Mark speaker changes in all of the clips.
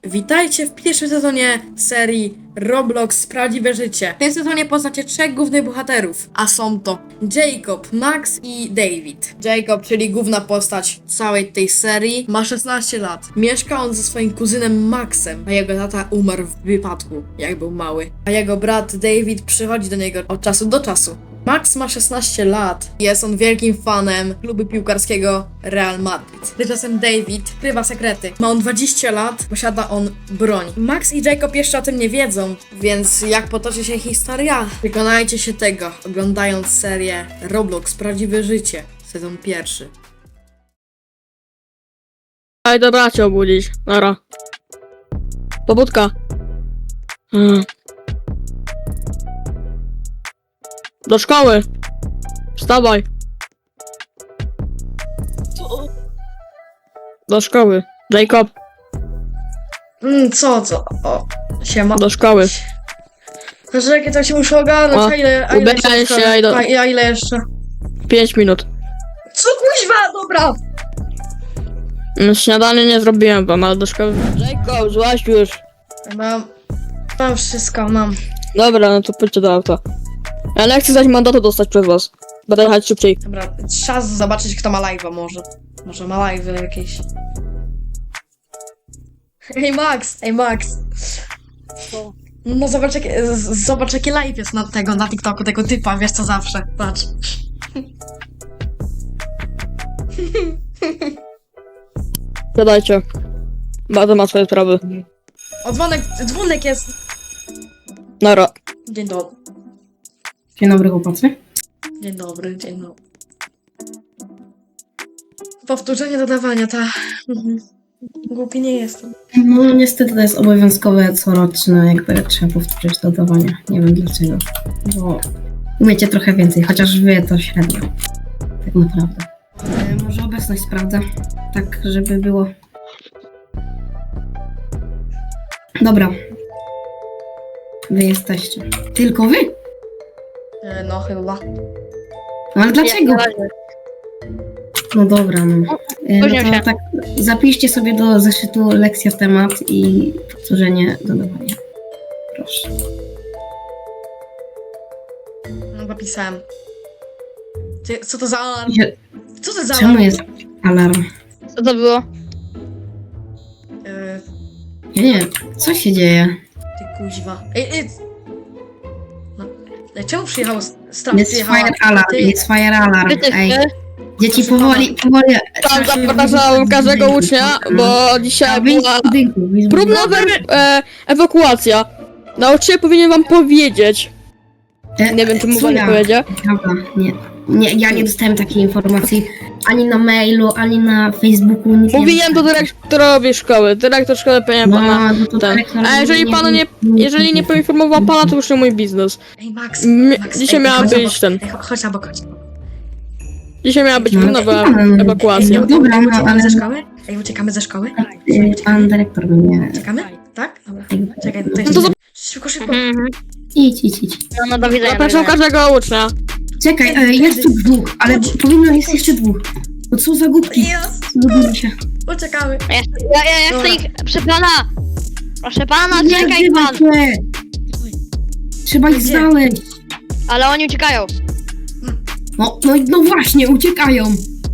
Speaker 1: Witajcie w pierwszym sezonie serii Roblox Prawdziwe Życie. W tym sezonie poznacie trzech głównych bohaterów, a są to Jacob, Max i David. Jacob, czyli główna postać całej tej serii, ma 16 lat. Mieszka on ze swoim kuzynem Maxem, a jego tata umarł w wypadku, jak był mały. A jego brat David przychodzi do niego od czasu do czasu. Max ma 16 lat. Jest on wielkim fanem klubu piłkarskiego Real Madrid. Tymczasem David skrywa sekrety. Ma on 20 lat, posiada on broń. Max i Jacob jeszcze o tym nie wiedzą, więc jak potoczy się historia? Przekonajcie się tego, oglądając serię Roblox Prawdziwe Życie, sezon pierwszy.
Speaker 2: Ej, dobra, cię obudzić. Nara. Pobudka. Do szkoły. Wstawaj. Do szkoły. Jacob,
Speaker 1: Co? O, siema.
Speaker 2: do szkoły.
Speaker 1: Znaczy, jakie tak się muszę ogarnąć,
Speaker 2: O,
Speaker 1: a ile
Speaker 2: ubieraj się,
Speaker 1: jeszcze?
Speaker 2: idę.
Speaker 1: A ile jeszcze?
Speaker 2: 5 minut.
Speaker 1: Co kuźwa, dobra!
Speaker 2: Śniadanie nie zrobiłem wam, ale do szkoły. Jacob, złaź już.
Speaker 1: Mam wszystko, mam.
Speaker 2: Dobra, no to pójdźcie do auta. Ja nie chcę zaś mandatu dostać przez was. Będę jechać szybciej.
Speaker 1: Dobra, czas zobaczyć, kto ma live'a może. Może ma live'y jakieś. Ej Max!
Speaker 2: Co?
Speaker 1: No zobacz jaki live jest na TikToku tego typa, wiesz co zawsze. Patrz.
Speaker 2: Siadajcie. Bardzo ma swoje sprawy.
Speaker 1: O, dzwonek jest!
Speaker 2: Nara.
Speaker 1: Dzień dobry.
Speaker 3: Dzień dobry, chłopacy.
Speaker 1: Dzień dobry. Powtórzenie dodawania, ta. Głupi nie jestem.
Speaker 3: No niestety to jest obowiązkowe coroczne, jakby trzeba powtórzyć dodawanie. Nie wiem dlaczego. Bo umiecie trochę więcej, chociaż wy to średnio. Tak naprawdę. Może obecność sprawdzę. Tak, żeby było. Dobra. Wy jesteście. Tylko wy?
Speaker 1: No chyba.
Speaker 3: No ale dlaczego? No dobra, no. No to tak, zapiszcie sobie do zeszytu lekcja w temat i powtórzenie dodawania. Proszę.
Speaker 1: No zapisałem. Co to za alarm? Co to za
Speaker 3: Czemu
Speaker 1: alarm?
Speaker 3: jest alarm?
Speaker 2: Co to było?
Speaker 3: Nie, co się dzieje?
Speaker 1: Ty kuźwa. Ej. No. Czemu przyjechał straż?
Speaker 3: Jest fire alarm,
Speaker 1: Ty-
Speaker 3: jest fire alarm. Ej, dzieci
Speaker 1: Proszę
Speaker 3: powoli.
Speaker 2: Tam zapraszam każdego ucznia, bo dzisiaj była próbna ewakuacja. Nauczyciel powinien wam powiedzieć. Nie wiem, czy mu wam nie powiedzie.
Speaker 3: Dobra, nie, ja nie dostałem takiej informacji ani na mailu, ani na Facebooku. Nic
Speaker 2: Mówiłem to dyrektorowi szkoły. Dyrektor szkoły powinien pana.
Speaker 3: No to
Speaker 2: ten.
Speaker 3: dyrektor
Speaker 2: A jeżeli pana nie, jeżeli nie poinformował pana, to już nie mój biznes.
Speaker 1: Ej, Max.
Speaker 2: Dzisiaj
Speaker 1: ej,
Speaker 2: miała
Speaker 1: chodź
Speaker 2: być
Speaker 1: obok.
Speaker 2: ten.
Speaker 1: Ej, chodź na bok, chodź.
Speaker 2: Dzisiaj miała być
Speaker 3: No,
Speaker 2: próbna ewakuacja.
Speaker 3: No dobra,
Speaker 1: Ej,
Speaker 3: no
Speaker 1: uciekamy
Speaker 3: ale
Speaker 1: ze szkoły? Ej, uciekamy ze szkoły?
Speaker 3: pan dyrektor mnie.
Speaker 1: Uciekamy? Tak? Dobra. Czekaj,
Speaker 2: No to
Speaker 1: szybko.
Speaker 3: Idź.
Speaker 4: No do widzenia.
Speaker 2: Zapraszam każdego ucznia.
Speaker 3: Czekaj, jest tu dwóch, ale powinno jest jeszcze dwóch. No co za głupki?
Speaker 1: Jest!
Speaker 3: Zgubili się.
Speaker 1: Uciekamy.
Speaker 4: Ja chcę ich... Proszę pana! Proszę pana,
Speaker 3: Nie
Speaker 4: czekaj
Speaker 3: odzywaj
Speaker 4: pan!
Speaker 3: się! Trzeba ich
Speaker 1: Gdzie?
Speaker 3: znaleźć.
Speaker 4: Ale oni uciekają.
Speaker 3: No właśnie, uciekają.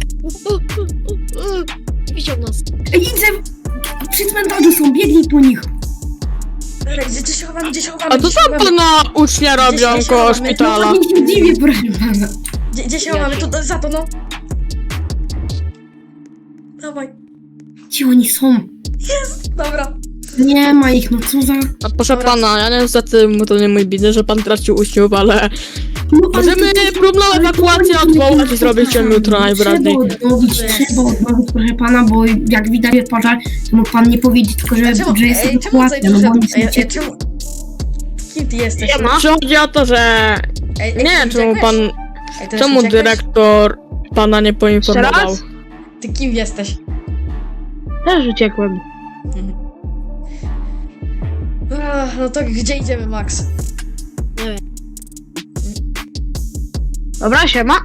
Speaker 4: Widział nas.
Speaker 3: Ej, idę! Przy cmentarzu są, biegnij po nich.
Speaker 1: Gdzie się chowamy?
Speaker 2: A to tam pana ucznia robią
Speaker 1: Gdzieś
Speaker 2: koło
Speaker 1: się
Speaker 2: szpitala.
Speaker 3: Nie się dziwię, proszę pana.
Speaker 1: Gdzie się chowamy? Tu, za to, no. Dawaj.
Speaker 3: Gdzie oni są?
Speaker 1: Dobra.
Speaker 3: Nie ma ich, no co za...
Speaker 2: A proszę pana, ja niestety to nie mój biznes, że pan tracił uczniów, ale
Speaker 3: No, ale
Speaker 2: możemy
Speaker 3: to-
Speaker 2: próbną ewakuację odwołać i zrobić ją jutro najwyraźniej.
Speaker 3: Trzeba odnowić, proszę pana, bo jak widać jest pożar, to mógł pan nie powiedzieć tylko, że jest
Speaker 1: Czemu
Speaker 3: ewakuacja, no bo oni są ciepli.
Speaker 1: czemu... Kim ty jesteś?
Speaker 2: Czy chodzi o to, że nie wiem, czemu pan, czemu dyrektor pana nie poinformował?
Speaker 4: raz?
Speaker 1: Ty kim jesteś?
Speaker 4: Też uciekłem.
Speaker 1: No to gdzie idziemy, Max?
Speaker 4: Dobra, siema.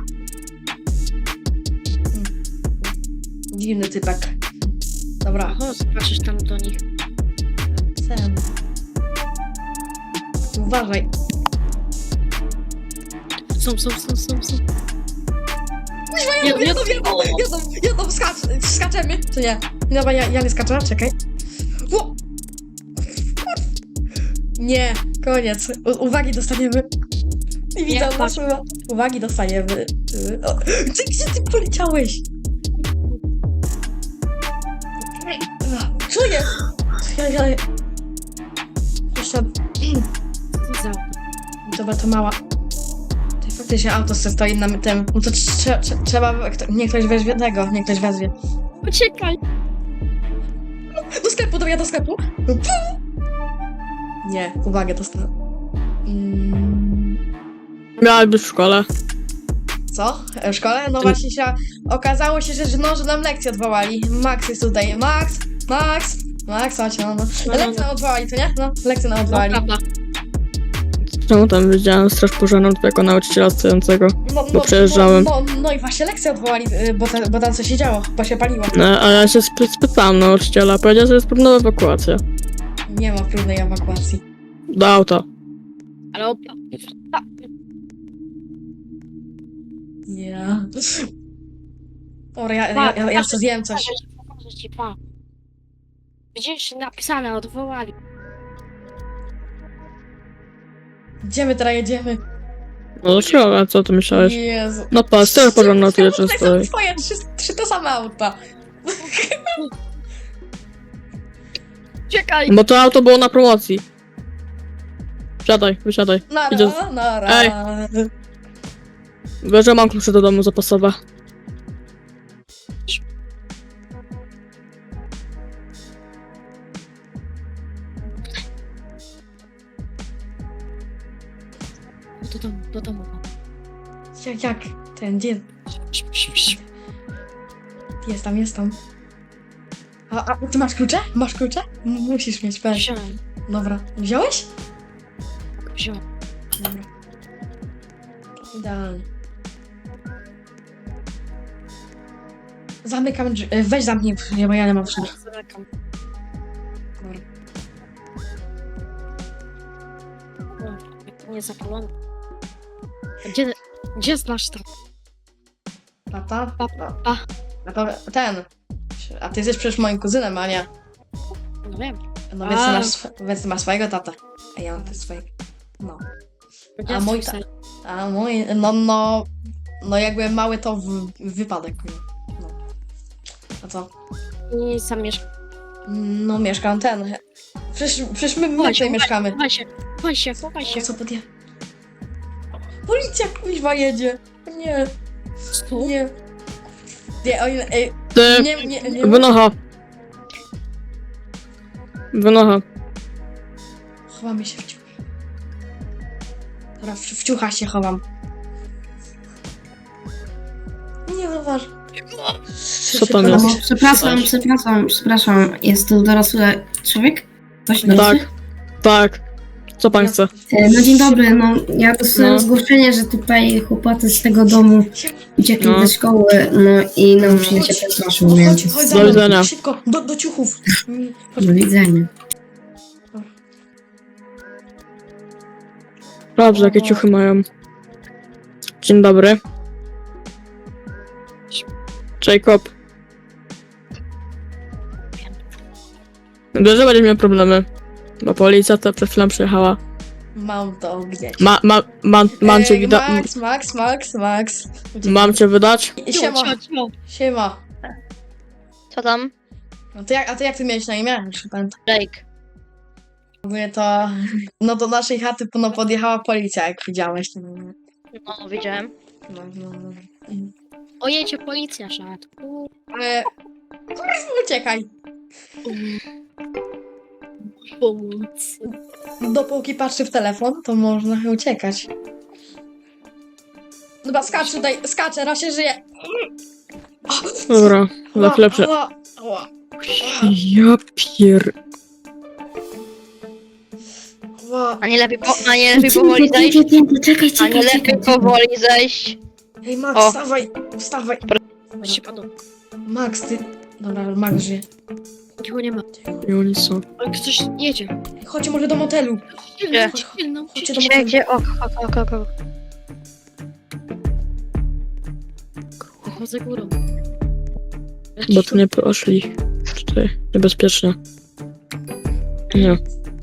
Speaker 1: Dziwny typek. Dobra.
Speaker 4: O, zobaczysz tam do nich.
Speaker 1: uważaj.
Speaker 2: Są.
Speaker 1: Jadą, skaczemy. Czy nie? Dobra, ja nie skaczę, czekaj. O! Nie, koniec. Uwagi dostaniemy. I widzę
Speaker 2: Nie,
Speaker 1: nas. Uwagi dostajemy. O, gdzie ty poleciałeś? Co jest? Ja... Jeszcze... Dobra, to mała. To faktycznie auto stoi na tym. No to trzeba... Niech ktoś weźmie tego, niech ktoś wezwie.
Speaker 2: Uciekaj!
Speaker 1: Do sklepu, dobra, do sklepu. Nie, uwagę dostałem.
Speaker 2: Miała być w szkole.
Speaker 1: Co? W szkole? No właśnie okazało się, że nam lekcję odwołali. Max jest tutaj. Max, chodź, no. Lekcję nam odwołali, to nie? No, lekcję nam odwołali.
Speaker 2: Prawda. Czemu tam widziałem straż pożarną jako nauczyciela stojącego? Bo przejeżdżałem.
Speaker 1: No i właśnie lekcję odwołali, bo tam coś się działo, bo się paliło.
Speaker 2: No, a ja się spytałem nauczyciela, powiedział, że jest próbna ewakuacja.
Speaker 1: Nie ma próbnej ewakuacji.
Speaker 2: Do auta.
Speaker 4: Ale
Speaker 1: Nie. Ora, ja co zjem coś.
Speaker 5: Pokażę ci, pa. Widzisz, napisane, odwołali.
Speaker 1: Gdzie my teraz jedziemy?
Speaker 2: No do środka, co ty myślałeś?
Speaker 1: Jezu.
Speaker 2: No pa, straż pożarna tu jeszcze
Speaker 1: Tutaj są
Speaker 2: stoi.
Speaker 1: twoje trzy te same auta.
Speaker 2: Czekaj! Bo to auto było na promocji. Wysiadaj. Idę.
Speaker 1: Nara.
Speaker 2: Ej. Wiesz, że mam klucze do domu zapasowe.
Speaker 5: Do domu.
Speaker 1: Jak? Gdzie? Jest tam. A ty masz klucze? Musisz mieć, pewnie.
Speaker 5: Wziąłem.
Speaker 1: Dobra. Wziąłeś?
Speaker 5: Wziąłem.
Speaker 1: Dobra. Idealnie. Zamykam drzwi. Weź zamknij, bo ja nie mam wszędzie.
Speaker 5: Zamykam.
Speaker 1: Dobra.
Speaker 5: Nie zapalony. Gdzie znasz to?
Speaker 1: Tata?
Speaker 5: Pa.
Speaker 1: A ty jesteś przecież moim kuzynem, a nie.
Speaker 5: No wiem.
Speaker 1: No więc ty masz swojego tata. A ja mam też swojego. No.
Speaker 5: Gdzie
Speaker 1: A mój
Speaker 5: jest twój
Speaker 1: A mój, no jakby mały to wypadek. No. A co?
Speaker 5: sen? Nie zamieszkam.
Speaker 1: No mieszkam Przecież my tutaj mieszkamy.
Speaker 5: Chowaj się.
Speaker 1: O co podje? Policja kuźwa jedzie. Nie. Nie. Nie, ej.
Speaker 2: Ty,
Speaker 1: Nie.
Speaker 2: wynocha.
Speaker 1: Chowamy się w ciuch. Dobra, w ciucha się chowam. Nie zauważ.
Speaker 2: Co tam jest?
Speaker 3: Przepraszam, jest tu dorosły człowiek? Ktoś dorosły?
Speaker 2: Tak. Co pan chce?
Speaker 3: No dzień dobry, no ja dostałem zgłoszenie, że tutaj chłopacy z tego domu uciekli do szkoły, no i nauczyciel się przestraszył, więc
Speaker 1: Chodź
Speaker 2: Do
Speaker 1: za mną,
Speaker 2: widzenia.
Speaker 1: szybko, do ciuchów.
Speaker 3: do widzenia.
Speaker 2: Dobrze, jakie ciuchy mają. Dzień dobry. Jacob. Wiesz, że będziesz miał problemy. Bo policja to przed chwilą przyjechała.
Speaker 1: Mam to gdzieś.
Speaker 2: Mam cię widać.
Speaker 1: Max.
Speaker 2: Mam cię wydać?
Speaker 1: Siema.
Speaker 4: co tam?
Speaker 1: A ty jak ty miałeś na imię? Już nie pamiętam.
Speaker 4: Jake.
Speaker 1: Ogólnie to... No do naszej chaty podjechała policja, jak widziałeś.
Speaker 4: No, widziałem.
Speaker 1: No.
Speaker 5: O, jedzie policja, szat.
Speaker 1: Kurwa, uciekaj.
Speaker 5: Pomóc.
Speaker 1: Dopóki patrzy w telefon, to można uciekać. Dobra, skacz tutaj, skaczę, raz się żyje.
Speaker 2: Dobra, za chwilę
Speaker 1: Ała.
Speaker 2: Ja pier...
Speaker 4: A nie lepiej powoli zejść?
Speaker 3: Czekaj.
Speaker 4: A nie lepiej powoli zejść?
Speaker 1: Hej, Max,
Speaker 4: O.
Speaker 1: wstawaj.
Speaker 5: Się padł.
Speaker 1: Max, ty... Dobra, Max żyje.
Speaker 5: Nikogo nie ma.
Speaker 2: I oni są.
Speaker 5: Ale ktoś jedzie.
Speaker 1: Chodźcie może do motelu.
Speaker 4: Gdzie?
Speaker 1: Chodźcie do
Speaker 4: Gdzie,
Speaker 1: motelu.
Speaker 4: gdzie? Ok.
Speaker 5: Chodzę górą.
Speaker 2: Bo tu nie poszli. Tutaj niebezpiecznie. Nie,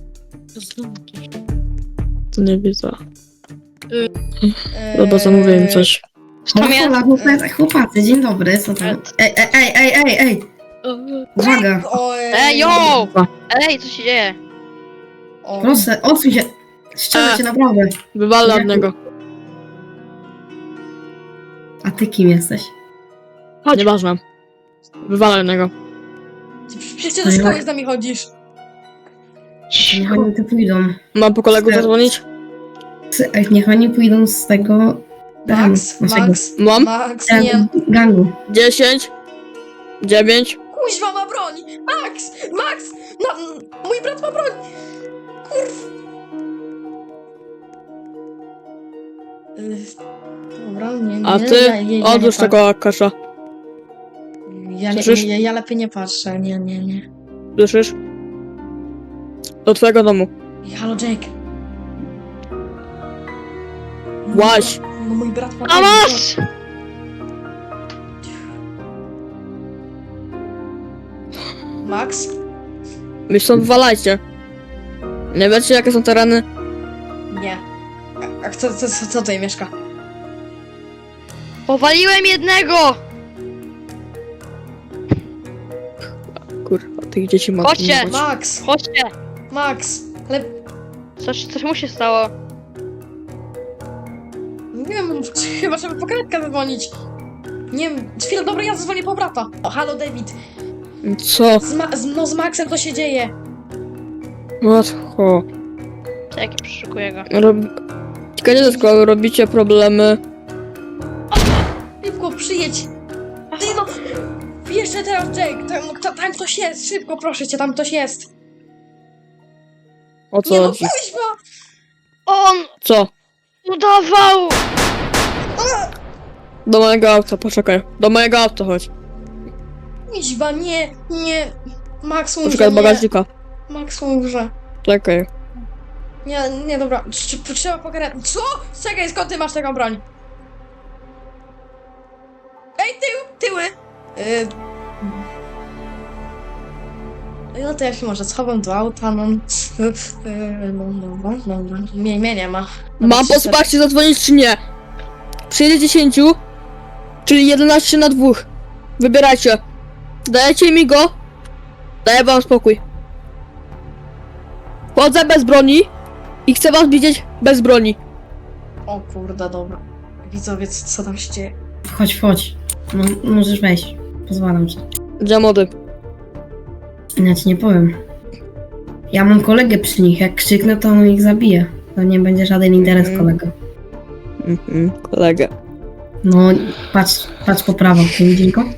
Speaker 2: to nie widzę. Dobra, zamówię im coś.
Speaker 4: Tam jest.
Speaker 3: Chłopacy, dzień dobry, co tam? Ej! Uwaga!
Speaker 4: Ej, yo! Ej, co się dzieje?
Speaker 3: Proszę, odsuń się! Ściągnę cię naprawdę.
Speaker 2: Wywalę od niego.
Speaker 3: A ty kim jesteś?
Speaker 2: Nieważne. Wywalę od niego.
Speaker 1: Przecież ty do szkoły z nami chodzisz.
Speaker 3: Niech oni tu pójdą.
Speaker 2: Mam po kolegu zadzwonić?
Speaker 3: Niech oni pójdą z tego...
Speaker 2: Mam?
Speaker 1: Max, nie.
Speaker 3: Gangu.
Speaker 2: 10 9
Speaker 1: Kuźwa ma broń! Max! No, mój brat ma broń! Kurw! Dobra, nie.
Speaker 2: A ty odłóż tego Akasza. Słyszysz?
Speaker 1: Ja lepiej nie patrzę, nie.
Speaker 2: Słyszysz? Do twojego domu.
Speaker 1: Halo, Jake.
Speaker 2: Łaź!
Speaker 1: No mój brat ma
Speaker 4: A masz!
Speaker 1: Max?
Speaker 2: Wy stąd wywalajcie. Nie wiecie jakie są tereny?
Speaker 1: Nie. A co tutaj mieszka?
Speaker 4: Powaliłem jednego!
Speaker 2: Kurwa, tych dzieci ma.
Speaker 4: Chodźcie!
Speaker 1: Max!
Speaker 4: Chodźcie!
Speaker 1: Ale
Speaker 4: Coś mu się stało.
Speaker 1: nie wiem, chyba trzeba po karetkę zadzwonić. Nie wiem, chwilę, dobra, ja zadzwonię po brata. O, halo, David.
Speaker 2: Co?
Speaker 1: Z Maxem to się dzieje.
Speaker 2: Łatwo.
Speaker 4: Czekaj, przeszukuję go.
Speaker 2: Ciekawe do szkoły, robicie problemy.
Speaker 1: Szybko, przyjedź. Ty no, jeszcze teraz, Jake. Tam ktoś jest, szybko, proszę cię, tam ktoś jest.
Speaker 2: O
Speaker 1: Nie
Speaker 2: co
Speaker 1: no,
Speaker 2: chodzi?
Speaker 1: kuźwa!
Speaker 4: On
Speaker 2: Co?
Speaker 4: udawał!
Speaker 2: Do mojego auta, poczekaj. Do mojego auta chodź.
Speaker 1: Kuźwa, nie. Max
Speaker 2: Poczekaj
Speaker 1: umrze,
Speaker 2: od bagażnika.
Speaker 1: Max umrze.
Speaker 2: Czekaj.
Speaker 1: Nie, dobra, trzeba po karetkę. Co? Czekaj, skąd ty masz taką broń? Ej, tyły! No to ja się może schowam do auta, no. Dobra. Mnie nie ma.
Speaker 2: Mam po wsparcie zadzwonić czy nie? Przyjedzie 10, czyli 11 na 2. Wybierajcie. Dajecie mi go? Daję wam spokój. Chodzę bez broni i chcę was widzieć bez broni.
Speaker 1: O kurde, dobra. Widzowie, co tam się dzieje?
Speaker 3: Chodź. No, możesz wejść. Pozwalam ci.
Speaker 2: Gdzie mody?
Speaker 3: Ja ci nie powiem. Ja mam kolegę przy nich. Jak krzyknę, to on ich zabije. To nie będzie żaden interes kolego.
Speaker 2: Kolegę.
Speaker 3: No, patrz po prawo. Nie widzisz go?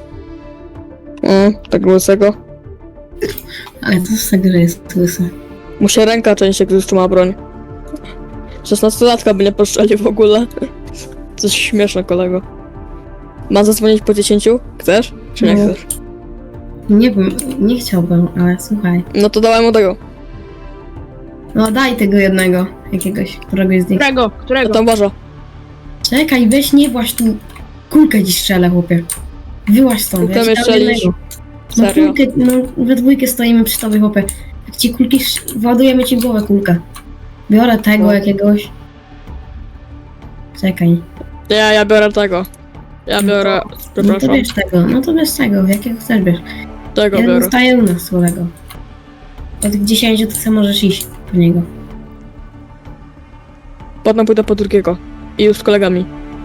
Speaker 2: Tak łysego.
Speaker 3: Ale co z tego, że jest łysy?
Speaker 2: Mu się ręka częściej, gdy trzyma broń. 16-latka by nie poszczeli w ogóle. Coś śmieszne, kolego. Mam zadzwonić po 10? Chcesz? Czy nie
Speaker 3: No.
Speaker 2: chcesz?
Speaker 3: Nie wiem, nie chciałbym, ale słuchaj.
Speaker 2: No to dawaj mu tego.
Speaker 3: No daj tego jednego, jakiegoś, któregoś z nich.
Speaker 2: Ja tam uważa.
Speaker 3: Czekaj, weź nie właź tu. Kulkę ci strzelę, chłopie. Wyłaź stąd.
Speaker 2: Kulkę
Speaker 3: ja ci
Speaker 2: mnie
Speaker 3: dam
Speaker 2: strzelisz?
Speaker 3: jednego. No
Speaker 2: Serio?
Speaker 3: kulkę, no we dwójkę stoimy przy tobie, chłopie. Jak ci kulki, ładujemy ci w głowę kulkę. Biorę tego
Speaker 2: No.
Speaker 3: jakiegoś. Czekaj.
Speaker 2: Ja biorę tego. Ja biorę...
Speaker 3: No to
Speaker 2: Przepraszam.
Speaker 3: bierz tego, jakiego chcesz bierz.
Speaker 2: Tego
Speaker 3: Jeden
Speaker 2: biorę.
Speaker 3: zostaje u nas, kolego. Od 10 to sobie możesz iść po niego.
Speaker 2: Potem pójdę po drugiego. I już z kolegami.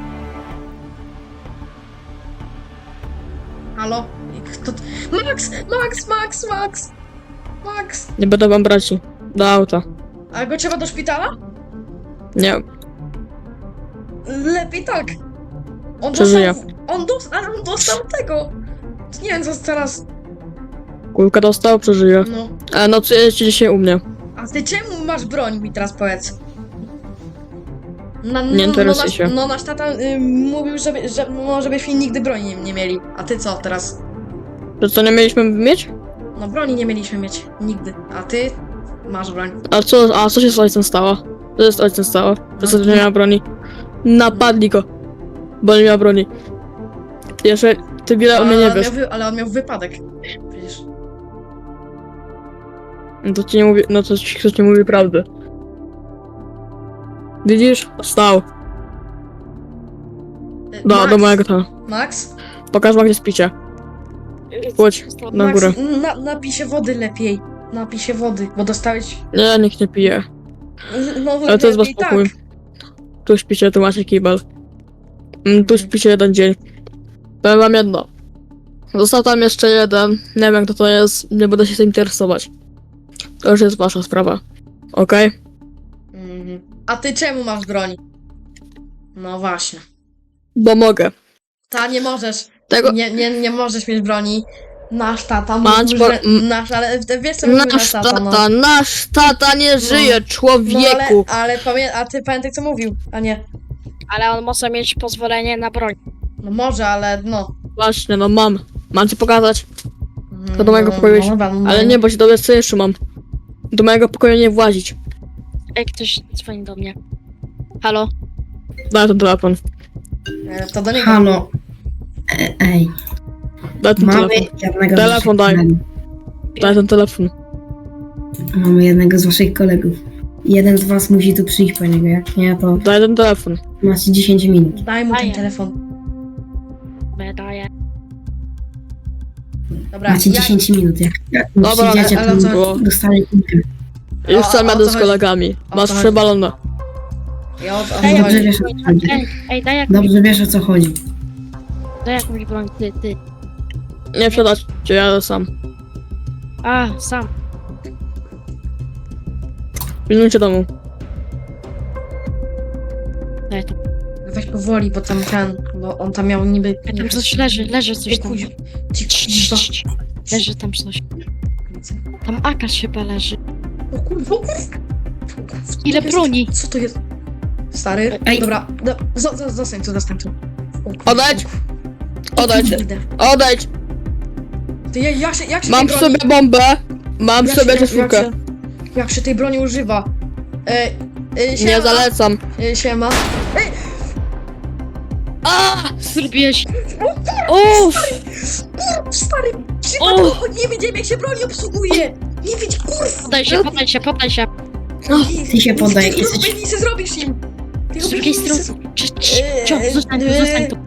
Speaker 1: Halo? Kto... Max!
Speaker 2: Nie będę wam braci. Do auta.
Speaker 1: A go trzeba do szpitala?
Speaker 2: Nie.
Speaker 1: Lepiej tak. On
Speaker 2: Przeżyje.
Speaker 1: dostał tego. Nie wiem, co teraz.
Speaker 2: Kulkę dostał, przeżyje.
Speaker 1: No.
Speaker 2: A no, co jest dzisiaj u mnie?
Speaker 1: A ty czemu masz broń, mi teraz powiedz?
Speaker 2: Nie interesuj się.
Speaker 1: No nasz tata mówił, żebyśmy nigdy broni nie mieli. A ty co teraz?
Speaker 2: Że co nie mieliśmy mieć?
Speaker 1: No broni nie mieliśmy mieć. Nigdy. A ty? Masz broń.
Speaker 2: A co się z ojcem stało? Co się z ojcem stało? Przez to, że nie miał broni. Napadli go. Bo nie miał broni. Jeszcze ty wiele o mnie nie wiesz.
Speaker 1: Ale on miał wypadek. Przecież.
Speaker 2: No to ci nie mówi, no to ci ktoś nie mówi prawdy. Widzisz? Stał.
Speaker 1: Max,
Speaker 2: Do mojego tam.
Speaker 1: Max?
Speaker 2: Pokaż wam, gdzie spicie. Chodź, na
Speaker 1: Max,
Speaker 2: górę.
Speaker 1: napij się wody lepiej. Napij się wody, bo dostałeś...
Speaker 2: Nie, nikt nie pije.
Speaker 1: No,
Speaker 2: Ale to jest wasz
Speaker 1: lepiej
Speaker 2: pokój.
Speaker 1: tak.
Speaker 2: Tu śpicie, tu macie kibel. Tu śpicie jeden dzień. Powiem wam jedno. Został tam jeszcze jeden. Nie wiem, kto to jest. Nie będę się tym interesować. To już jest wasza sprawa. Okej?
Speaker 1: Mhm. A ty czemu masz broń? No właśnie.
Speaker 2: Bo mogę.
Speaker 1: Ta, nie możesz.
Speaker 2: Tego...
Speaker 1: Nie możesz mieć broni. Nasz tata
Speaker 2: Mać
Speaker 1: mówił,
Speaker 2: bo-
Speaker 1: że... Nasz, ale wiesz co mówił nasz tata, no.
Speaker 2: Nasz tata nie żyje,
Speaker 1: No
Speaker 2: człowieku!
Speaker 1: a ty pamiętaj co mówił, a nie.
Speaker 5: Ale on może mieć pozwolenie na broń.
Speaker 1: No może, ale no.
Speaker 2: Właśnie, no mam. Mam ci pokazać. To do mojego
Speaker 1: No,
Speaker 2: pokoju iść.
Speaker 1: dobra, no.
Speaker 2: Ale nie, bo się dowiesz, co jeszcze mam. Do mojego pokoju nie włazić.
Speaker 5: Ej, ktoś dzwoni do mnie. Halo?
Speaker 2: Daj ten telefon.
Speaker 1: To do niego.
Speaker 3: Halo. Ej,
Speaker 2: Daj ten
Speaker 3: mamy
Speaker 2: telefon.
Speaker 3: jednego
Speaker 2: Telefon
Speaker 3: z waszych
Speaker 2: daj.
Speaker 3: kolegów.
Speaker 2: Daj ten telefon.
Speaker 3: Mamy jednego z waszych kolegów. Jeden z was musi tu przyjść po niego, jak nie, to
Speaker 2: Daj ten telefon.
Speaker 3: macie 10 minut.
Speaker 1: Daj mu ten
Speaker 5: Daję.
Speaker 1: telefon.
Speaker 5: Daję.
Speaker 1: Dobra,
Speaker 3: Macie 10 minut, jak
Speaker 2: Dobra,
Speaker 3: przyjdziecie,
Speaker 1: ale
Speaker 3: to
Speaker 1: co-
Speaker 2: Było.
Speaker 3: dostanie kulkę.
Speaker 2: Już sam
Speaker 1: o
Speaker 2: jadę
Speaker 1: co
Speaker 2: z
Speaker 1: chodzi?
Speaker 2: kolegami.
Speaker 1: O
Speaker 2: Masz
Speaker 1: co
Speaker 2: 3
Speaker 1: chodzi?
Speaker 2: balony.
Speaker 1: Ja o
Speaker 5: Ej,
Speaker 1: co
Speaker 3: Dobrze
Speaker 1: chodzi?
Speaker 3: wiesz, o co chodzi.
Speaker 5: Ej, daj jak
Speaker 3: Dobrze wiesz, o co chodzi.
Speaker 5: daj jakąś broń, ty.
Speaker 2: Nie wsiadać, cię jadę sam.
Speaker 5: A, sam.
Speaker 2: Pilnujcie domu.
Speaker 5: Daj to.
Speaker 1: Weź powoli, bo tam bo on tam miał niby...
Speaker 5: Ej, tam coś leży coś
Speaker 1: Ej,
Speaker 5: tam.
Speaker 1: kuźwa. Cicho.
Speaker 5: Leży tam coś. Tam Akash chyba leży.
Speaker 1: O kurwa, o kurwa.
Speaker 5: Ile broni?
Speaker 1: Co to jest? Stary?
Speaker 3: Ej.
Speaker 1: Dobra, zostań tu. O kurwa.
Speaker 2: Odejdź! Odejdź!
Speaker 1: Idę.
Speaker 2: Odejdź!
Speaker 1: Ty, jak się
Speaker 2: Mam
Speaker 1: tej
Speaker 2: w
Speaker 1: broni...
Speaker 2: sobie bombę. Mam w
Speaker 1: jak
Speaker 2: sobie
Speaker 1: się-
Speaker 2: czaszówkę.
Speaker 1: Jak się tej broni używa?
Speaker 2: Nie
Speaker 1: Siema.
Speaker 2: zalecam.
Speaker 1: Siema.
Speaker 2: A!
Speaker 5: Zrobiłeś.
Speaker 2: Uff!
Speaker 1: Stary, nie widziałem jak się broni obsługuje! Nie widz, kurwa!
Speaker 5: Poddaj się.
Speaker 3: Ty się poddaj,
Speaker 1: Ty
Speaker 3: jesteś...
Speaker 1: nic nie zrobisz im! Ty
Speaker 5: Z drugiej strony. Zostań tu.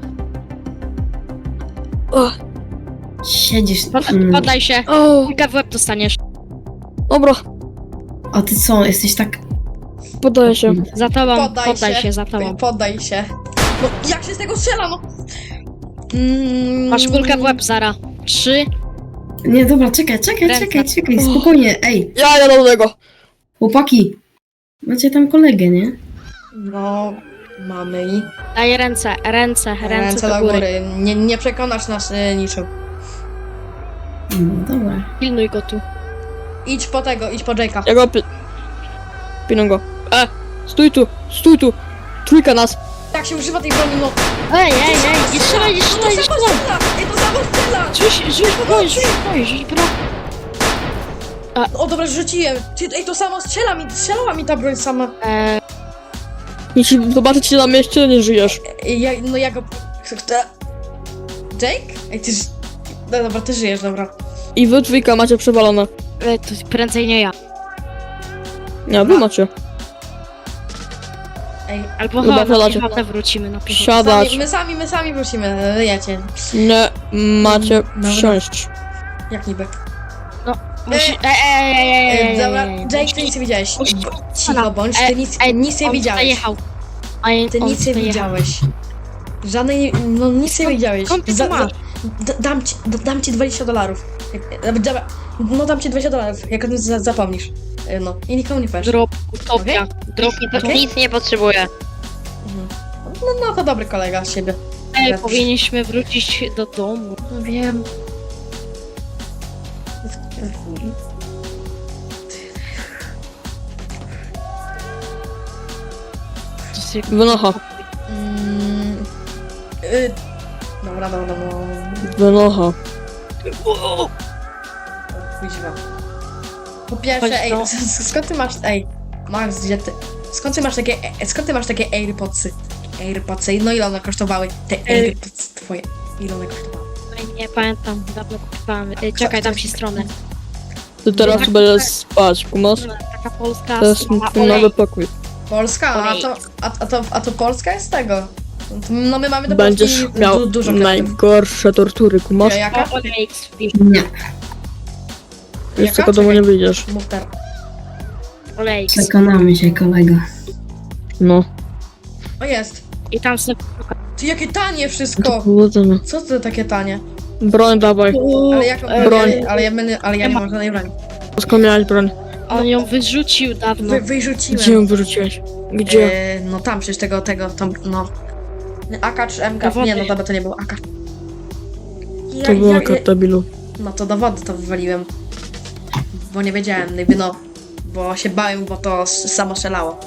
Speaker 2: O,
Speaker 3: Siedzisz...
Speaker 5: Poddaj się.
Speaker 2: o,
Speaker 5: Kulkę w łeb dostaniesz.
Speaker 2: dobra,
Speaker 3: A ty co, jesteś tak...
Speaker 2: podaję się.
Speaker 5: Za tobą.
Speaker 1: Poddaj
Speaker 5: Poddaj
Speaker 1: się.
Speaker 5: się za tobą.
Speaker 1: Poddaj się. No, jak się z tego strzela, no?
Speaker 5: Masz kulkę w łeb, Zara. 3.
Speaker 3: Nie, dobra, czekaj, spokojnie, ej,
Speaker 2: Ja jadę do tego.
Speaker 3: chłopaki. Macie tam kolegę, nie?
Speaker 1: No, mamy i...
Speaker 5: Daj ręce
Speaker 1: Ręce do góry. Nie przekonasz nas niczym.
Speaker 3: No dobra.
Speaker 5: Pilnuj go tu.
Speaker 1: Idź po Jake'a.
Speaker 2: Ja go Piną go. Stój tu. Trójka nas.
Speaker 1: Jak się używa tej broni, no?
Speaker 5: Ej, nie strzelaj.
Speaker 1: Ej, to samo strzela!
Speaker 5: Rzuć broń.
Speaker 1: O, dobra, rzuciłem. Ej, to samo strzelała mi ta broń sama.
Speaker 2: Jeśli zobaczę cię na mieście, nie żyjesz.
Speaker 1: Ja go... Jake? Ej, ty... No dobra, ty żyjesz, dobra.
Speaker 2: I wy trójka macie przewalone.
Speaker 5: To prędzej nie ja.
Speaker 2: Nie, wy macie.
Speaker 1: Ej,
Speaker 5: Albo
Speaker 2: Chyba
Speaker 5: na
Speaker 2: wsiadacie.
Speaker 5: piechotę wrócimy na piechotę.
Speaker 2: Siadać.
Speaker 1: my sami wrócimy, wiecie.
Speaker 2: Nie macie
Speaker 1: Dobra.
Speaker 2: wsiąść.
Speaker 1: Jak niby. Dobra, Jake, ty nic nie widziałeś. Cicho bądź, ty nic nie widziałeś. Ty nic nie widziałeś. Żadnej, no nic nie widziałeś.
Speaker 5: Skąd ty to masz?
Speaker 1: Dam ci $20. Dobra, no dam ci $20, jak o tym zapomnisz. No, i nikomu nie powiesz.
Speaker 5: Drop, utopia. Drop,
Speaker 1: Okej?
Speaker 4: Nic nie potrzebuję.
Speaker 1: No to dobry kolega z siebie.
Speaker 5: Ej, powinniśmy wrócić do domu.
Speaker 1: No wiem.
Speaker 2: Wynocha.
Speaker 1: Dobra.
Speaker 2: Wynocha.
Speaker 1: Kuźwa. Po pierwsze,
Speaker 5: Chodź,
Speaker 1: ej,
Speaker 5: no.
Speaker 1: skąd ty masz, ej, Max, gdzie ty, skąd ty masz takie AirPodsy? AirPodsy, no ile one kosztowały? Te AirPods twoje, ile one kosztowały?
Speaker 5: Nie pamiętam, dawno kupowałem. Czekaj, dam ci stronę.
Speaker 2: Ty teraz będziesz spać, kumasz?
Speaker 5: Taka polska
Speaker 2: To jest
Speaker 5: strona.
Speaker 2: twój nowy pokój.
Speaker 1: Polska, a to Polska jest tego. No my mamy do
Speaker 2: Będziesz
Speaker 1: Polski
Speaker 2: miał
Speaker 1: dużo kredytów.
Speaker 2: najgorsze tortury, kumasz?
Speaker 1: Jaka?
Speaker 5: OLX wpisz.
Speaker 3: Nie,
Speaker 2: Już tylko domu nie wyjdziesz.
Speaker 1: Mów teraz.
Speaker 5: OLX.
Speaker 3: przekonamy się, kolego.
Speaker 2: No.
Speaker 1: O jest.
Speaker 5: I tam sobie...
Speaker 1: Ty jakie tanie
Speaker 2: To
Speaker 1: wszystko.
Speaker 2: powodzenia.
Speaker 1: Co to takie tanie?
Speaker 2: Broń dawaj.
Speaker 1: Ale jaką
Speaker 2: broń.
Speaker 1: ale ja nie mam żadnej broni.
Speaker 2: Skąd miałeś broń?
Speaker 5: On ją wyrzucił dawno.
Speaker 1: Wyrzuciłem.
Speaker 2: Gdzie ją wyrzuciłeś? Gdzie?
Speaker 1: No tam przecież tam, no. AK czy MK?
Speaker 5: Do wody.
Speaker 1: Nie, no dobra, to nie był AK.
Speaker 2: To była karta bilu.
Speaker 1: No to do wody to wywaliłem. Bo nie wiedziałem, jakby no. Bo się bałem, bo to samo strzelało.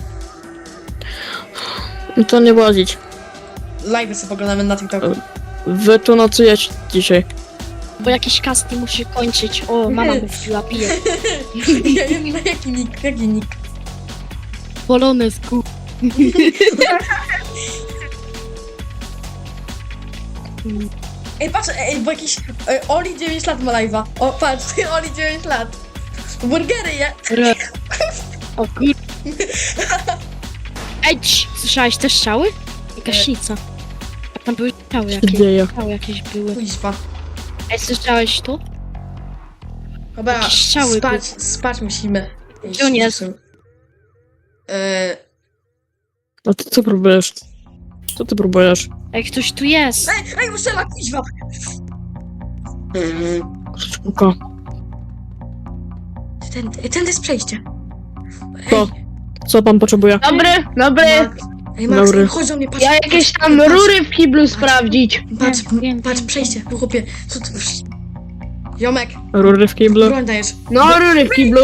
Speaker 2: No to nie łazić.
Speaker 1: Live'y sobie oglądamy na TikToku.
Speaker 2: Wy tu nocujecie dzisiaj.
Speaker 5: Bo jakiś casting musi kończyć. O, mama mu wpiła, pije.
Speaker 1: Jaki nick?
Speaker 5: Polonesku.
Speaker 1: Ej, patrz, bo jakiś Oli 9 lat ma live'a. O, patrz, Oli 9 lat. Burgery je.
Speaker 5: O kur... Ej, słyszałeś te strzały? I gaśnica. A tam były strzały
Speaker 2: Co się
Speaker 5: jakieś.
Speaker 2: dzieje?
Speaker 5: Strzały jakieś były.
Speaker 1: Kuźwa.
Speaker 5: Ej, słyszałeś to?
Speaker 1: Dobra,
Speaker 5: Jakieś strzały
Speaker 1: spać musimy.
Speaker 5: Gdzie on jest?
Speaker 2: A ty co próbujesz? Co ty próbujesz?
Speaker 5: Ej, ktoś tu jest.
Speaker 1: Ej, strzela, kuźwa.
Speaker 2: Krzyżówka.
Speaker 1: Ten jest przejście.
Speaker 2: Co? Co pan potrzebuje?
Speaker 6: Dobry.
Speaker 1: Ej, Max,
Speaker 2: Dobry.
Speaker 1: chodź do mnie, patrz.
Speaker 6: Ja jakieś tam
Speaker 1: patrz,
Speaker 6: rury w kiblu sprawdzić.
Speaker 1: Patrz,
Speaker 5: Wiem,
Speaker 1: patrz,
Speaker 5: wiem.
Speaker 1: przejście, chłopie. Co ty... Jomek,
Speaker 2: Rury w kiblu?
Speaker 1: broń dajesz.
Speaker 6: No, rury w kiblu.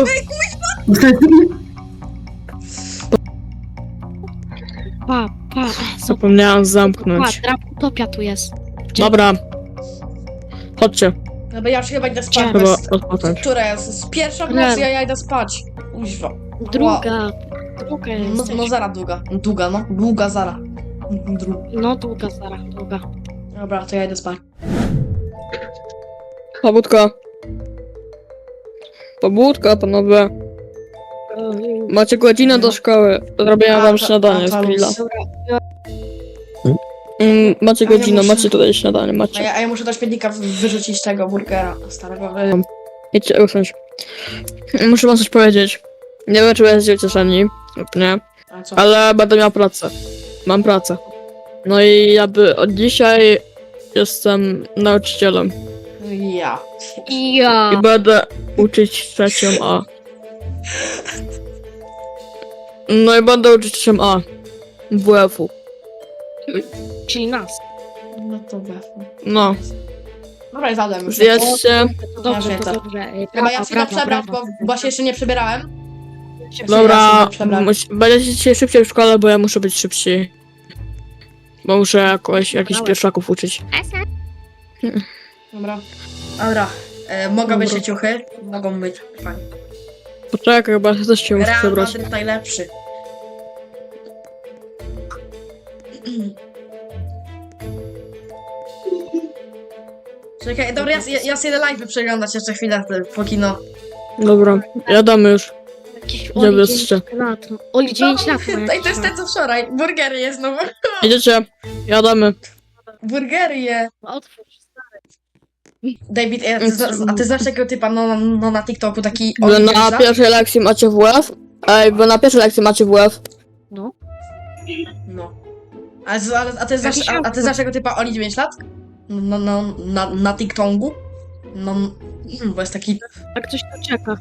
Speaker 5: Pa.
Speaker 2: Zapomniałam
Speaker 5: Pa,
Speaker 2: zamknąć.
Speaker 5: draputopia tu jest.
Speaker 2: Dobra. Chodźcie,
Speaker 1: Dobra, ja już chyba idę spać,
Speaker 2: chyba
Speaker 1: bo jest...
Speaker 2: odpocząć.
Speaker 1: Która jest? Z pierwsza w nocy, ja idę spać. Kuźwa.
Speaker 5: Druga
Speaker 1: No,
Speaker 5: jest.
Speaker 1: no zara długa. Długa, no. Długa zara.
Speaker 5: No, długa, Zara, długa.
Speaker 1: Dobra, to ja idę spać.
Speaker 2: Pobudka. Pobudka, panowie. Macie godzinę do szkoły. Zrobię wam śniadanie z grilla. Macie
Speaker 1: A ja
Speaker 2: godzinę,
Speaker 1: muszę-
Speaker 2: macie tutaj śniadanie,
Speaker 1: A
Speaker 2: macie.
Speaker 1: ja muszę do śmietnika wyrzucić tego burgera starego.
Speaker 2: Idźcie usiąść. Muszę wam coś powiedzieć. Nie wiem, czy będziecie ucieszeni lub nie,
Speaker 1: A co?
Speaker 2: ale będę miał pracę. Mam pracę. No i od dzisiaj jestem nauczycielem.
Speaker 1: Ja.
Speaker 5: Ja.
Speaker 2: I będę uczyć trzecią A. No i będę uczyć trzecią A. WF-u.
Speaker 5: Czyli nas.
Speaker 1: No to we.
Speaker 2: No.
Speaker 1: Dobra, zadam już.
Speaker 2: Zjedzcie.
Speaker 5: To dobrze,
Speaker 1: Ja
Speaker 5: to
Speaker 1: wiem,
Speaker 5: dobrze.
Speaker 1: Chyba ja się idę przebrać, bo się jeszcze nie przebierałem.
Speaker 2: Dobra,
Speaker 1: Ja się przebrać.
Speaker 2: będziecie dzisiaj szybciej w szkole, bo ja muszę być szybciej. Bo muszę jakichś pierwszaków uczyć.
Speaker 1: Dobra. Dobra. Mogą być ciuchy? Mogą być. Fajnie.
Speaker 2: Poczekaj, chyba ja też się muszę
Speaker 1: Real
Speaker 2: przebrać.
Speaker 1: Madryt najlepszy. Czekaj, dobra, ja sobie live przeglądać jeszcze chwilę, póki no.
Speaker 2: Dobra, jadamy już.
Speaker 5: Jakiś
Speaker 2: Gdzie
Speaker 5: Oli
Speaker 2: wy
Speaker 5: 9
Speaker 2: jesteście?
Speaker 5: lat. Oli 9 lat ma
Speaker 1: Ej, to jest ten co wczoraj. Burgery je znowu.
Speaker 2: Idziecie? Jadamy.
Speaker 1: Burgery je.
Speaker 5: Otwórz.
Speaker 1: David, a ty znasz takiego typa no na TikToku, taki
Speaker 2: Wy
Speaker 1: Oli
Speaker 2: na
Speaker 1: 9 lat?
Speaker 2: pierwszej lekcji macie WF? Ej, wy na pierwszej lekcji macie WF?
Speaker 5: No.
Speaker 1: No. A ty znasz, a ty znasz tego typa Oli 9 lat? No, na TikToku? No, bo jest taki...
Speaker 5: A ktoś tu czeka.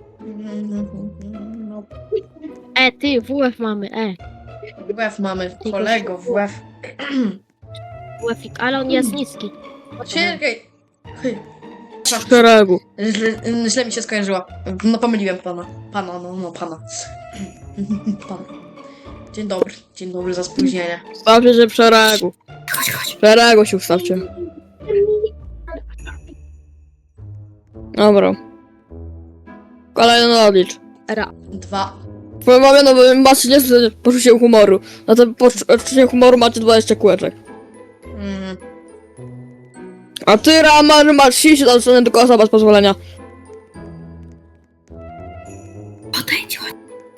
Speaker 1: No,
Speaker 5: Ty, WF mamy,
Speaker 1: WF mamy, kolego, WF.
Speaker 5: WF-ik, ale on jest niski.
Speaker 1: Czekaj.
Speaker 2: W szeregu.
Speaker 1: Źle mi się skojarzyło. No pomyliłem pana. Pana. Pana. Dzień dobry za spóźnienie.
Speaker 2: Stawcie się w szeregu.
Speaker 3: Chodź.
Speaker 2: W szeregu się ustawcie. Dobra. Kolejny odlicz.
Speaker 1: 2.
Speaker 2: Powiem wam, no bo macie niezłe poczucie humoru. Na to poczucie humoru macie 20 kółeczek.
Speaker 1: Mm.
Speaker 2: A ty, Ramar, masz 30 do tylko osoba z pozwolenia.
Speaker 3: Odejdź, chodź.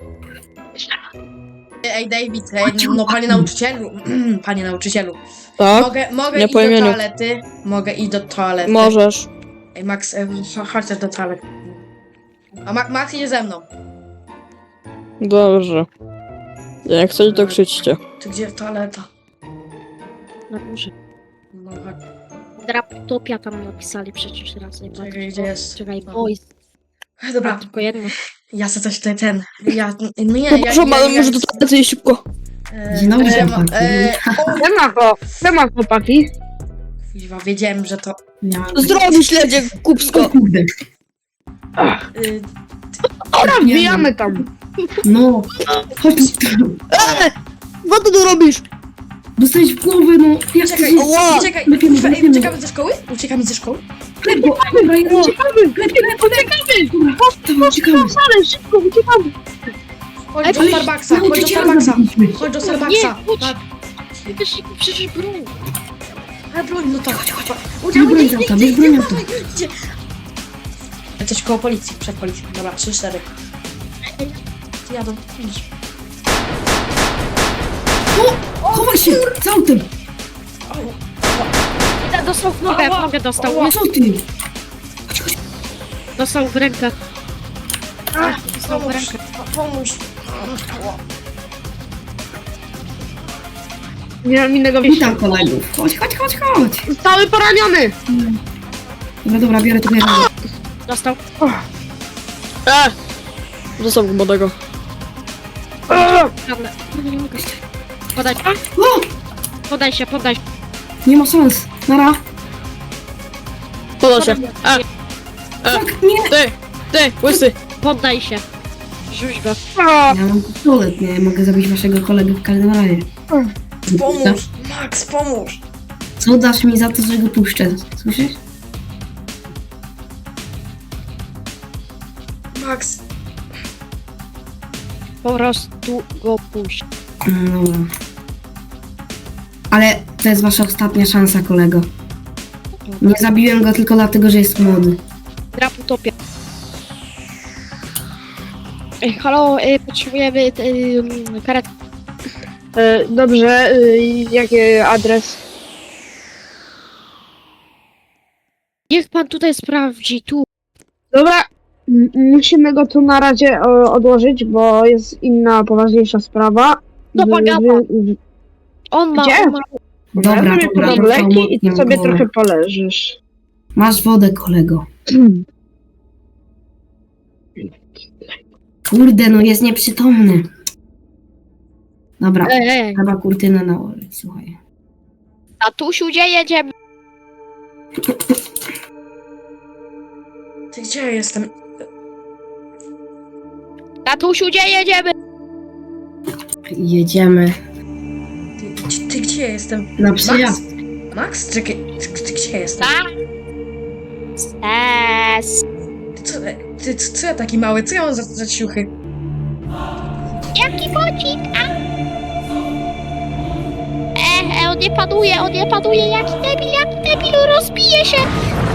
Speaker 1: Ej, David, no panie nauczycielu. Panie nauczycielu.
Speaker 2: Tak?
Speaker 1: Mogę
Speaker 2: Nie
Speaker 1: iść
Speaker 2: po
Speaker 1: do
Speaker 2: imieniu.
Speaker 1: toalety? Mogę iść do toalety.
Speaker 2: Możesz.
Speaker 1: Ej, Max, chodź też do toalety. A Max idzie ze mną.
Speaker 2: Dobrze. Jak chcecie, to krzyczcie.
Speaker 1: Ty gdzie toaleta?
Speaker 5: Na górze.
Speaker 1: No chodź.
Speaker 5: Draptopia tam napisali przecież raz.
Speaker 1: Czekaj, gdzie jest?
Speaker 5: Czekaj, boys.
Speaker 1: Dobra,
Speaker 5: Tylko jedno.
Speaker 1: ja chcę coś tutaj no nie,
Speaker 2: Proszę, może do toalety iść szybko.
Speaker 3: Dzień dobry,
Speaker 1: że
Speaker 3: chłopaki.
Speaker 6: Siema chłopaki.
Speaker 1: Kuźwa, wiedziałem, że to...
Speaker 3: Miałam
Speaker 2: Zdrowi śledzie, kupsko.
Speaker 3: O kurde.
Speaker 6: Dobra, wbijamy tam.
Speaker 3: No, chodź tu.
Speaker 2: Co ty tu robisz?
Speaker 3: Dostałeś w głowę, no. Jak to
Speaker 1: Czekaj,
Speaker 3: jest?
Speaker 1: czekaj,
Speaker 3: Lepiej,
Speaker 1: ej,
Speaker 3: lepiej.
Speaker 1: uciekamy ze szkoły? Uciekamy ze szkoły?
Speaker 3: Lepo, dobra, ja uciekamy.
Speaker 6: Ale szybko, uciekamy.
Speaker 1: Chodź do
Speaker 3: Ale
Speaker 1: Starbucksa, chodź do
Speaker 3: nauczyciela
Speaker 1: Starbucksa.
Speaker 3: zabiliśmy.
Speaker 1: Chodź do
Speaker 5: Nie,
Speaker 1: Starbucksa.
Speaker 5: chodź.
Speaker 1: Tak.
Speaker 5: Też przecież broń.
Speaker 1: Ale broń, no to chodź.
Speaker 3: Bierz broń z auta, bierz broń z auta.
Speaker 1: Idzie. Jesteś koło policji, przed policją. Dobra, 3-4. Ty jadą, idź.
Speaker 3: Chowaj się, z autem.
Speaker 5: Dostał w nogę, dostał.
Speaker 3: Co ty?
Speaker 5: Dostał w rękę. Dostał w
Speaker 1: Pomóż,
Speaker 5: rękę.
Speaker 1: pomóż.
Speaker 6: Nie mam innego wyjścia.
Speaker 3: Witam kolegów. Chodź.
Speaker 6: Cały poraniony.
Speaker 3: Dobra, biorę to bierę.
Speaker 5: Dostał.
Speaker 2: Zostaw go młodego.
Speaker 5: Dobra. Nie mogę. Podaj.
Speaker 3: O!
Speaker 5: Podaj się, podaj się.
Speaker 3: Nie ma szans. Nara.
Speaker 2: Poda się.
Speaker 3: Tak, nie.
Speaker 2: Ty, łysy.
Speaker 5: Poddaj się. Rzuć go.
Speaker 3: Ja mam pistolet, nie mogę zabić waszego kolegę w każdym razie.
Speaker 1: Pomóż, Max, pomóż.
Speaker 3: Co dasz mi za to, że go puszczę? Słyszysz?
Speaker 1: Max,
Speaker 5: Po prostu go puść.
Speaker 3: Dobra. Ale to jest wasza ostatnia szansa, kolego. Nie zabiłem go tylko dlatego, że jest młody.
Speaker 5: Drap utopia. Halo, potrzebujemy karetki.
Speaker 6: Dobrze, jaki adres?
Speaker 5: Niech pan tutaj sprawdzi, tu.
Speaker 6: Dobra, musimy go tu na razie odłożyć, bo jest inna, poważniejsza sprawa.
Speaker 5: No, pagaba. On ma,
Speaker 6: Gdzie?
Speaker 5: on ma.
Speaker 3: Dobra,
Speaker 6: Weź
Speaker 3: dobra,
Speaker 6: sobie
Speaker 3: dostał
Speaker 6: leki i ty
Speaker 3: mocną
Speaker 6: sobie
Speaker 3: głowę.
Speaker 6: trochę poleżysz.
Speaker 3: Masz wodę, kolego. Kurde, no jest nieprzytomny. Dobra, trzeba kurtynę nałożyć, słuchaj.
Speaker 5: Tatusiu, gdzie jedziemy?
Speaker 1: ty gdzie ja jestem?
Speaker 5: Tatusiu, gdzie jedziemy?
Speaker 3: Jedziemy
Speaker 1: Ty gdzie ja jestem?
Speaker 3: na przyjazd.
Speaker 1: Max? Czekaj, ty gdzie ja jestem?
Speaker 5: Tak. Stes.
Speaker 1: Co ja taki mały? Co ja mam za ciuchy?
Speaker 5: Jaki bocik? On nie panuje, jaki debil, rozbije się.